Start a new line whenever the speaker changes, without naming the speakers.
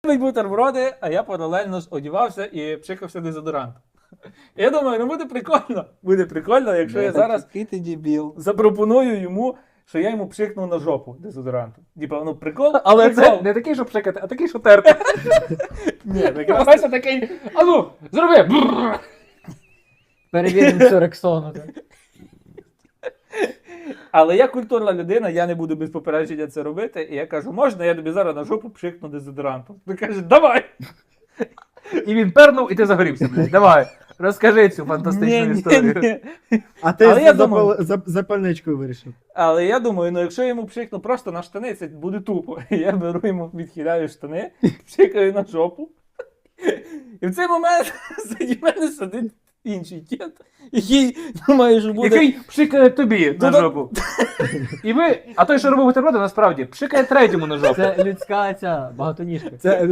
бутерброди, а я паралельно ж одівався і пшикався дезодорантом. Я думаю, ну буде прикольно, якщо я зараз
Який ти дебіл.
запропоную йому, що я йому пшикну на жопу дезодорантом. Типа, ну прикол,
Але
прикол.
це не такий, що пшикати, а такий, що терти.
Ні, якраз
Вася такий, а ну, зроби! Бррр.
Перевіримо цю Рексону.
Але я культурна людина, я не буду без попередження це робити. І я кажу, можна, я тобі зараз на жопу пшикну дезодорантом. Він каже, давай!
І він пернув, і ти загорівся, блядь. Давай, розкажи цю фантастичну історію.
А ти
Але я
з
думаю-
запальничкою вирішив.
Але я думаю, ну якщо я йому пшикну просто на штани, це буде тупо. Я беру йому, відхиляю штани, пшикаю на жопу. І в цей момент заді мене сидить інший кіт, який думає, що буде.
Який пшикає тобі на
Ну,
жопу. І ви, а той, що робив бутерброди, насправді, пшикає третьому на жопу.
Це людська ця багатоніжка.
Це